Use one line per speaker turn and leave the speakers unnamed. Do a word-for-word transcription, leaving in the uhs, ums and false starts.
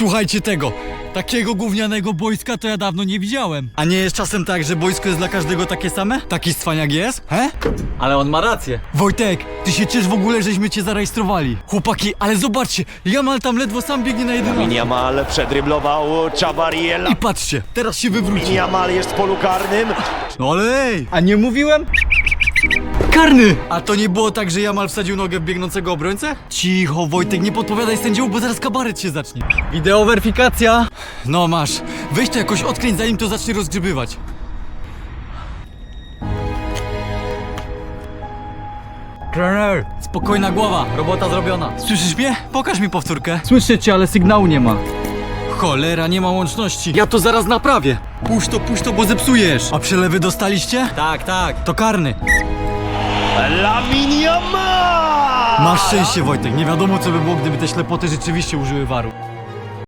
Słuchajcie tego. Takiego gównianego boiska to ja dawno nie widziałem. A nie jest czasem tak, że boisko jest dla każdego takie same? Taki cwaniak jest? He? Ale on ma rację. Wojtek, ty się ciesz w ogóle, żeśmy cię zarejestrowali. Chłopaki, ale zobaczcie, Jamal tam ledwo sam biegnie na jeden.
Lamine Yamal przedryblował Chabariela.
I patrzcie, teraz się wywróci.
Yamal jest w polu karnym.
No ale ej, a nie mówiłem? Karny! A to nie było tak, że Jamal wsadził nogę w biegnącego obrońcę? Cicho, Wojtek, nie podpowiadaj sędziemu, bo zaraz kabaret się zacznie. Wideo weryfikacja. No masz, weź to jakoś odkręć, zanim to zacznie rozgrzebywać. Trener! Spokojna głowa, robota zrobiona. Słyszysz mnie? Pokaż mi powtórkę. Słyszę cię, ale sygnału nie ma. Cholera, nie ma łączności. Ja to zaraz naprawię. Puść to, puść to, bo zepsujesz. A przelewy dostaliście? Tak, tak. To karny.
Lamine Yamal!
Masz szczęście, Wojtek. Nie wiadomo, co by było, gdyby te ślepoty rzeczywiście użyły waru.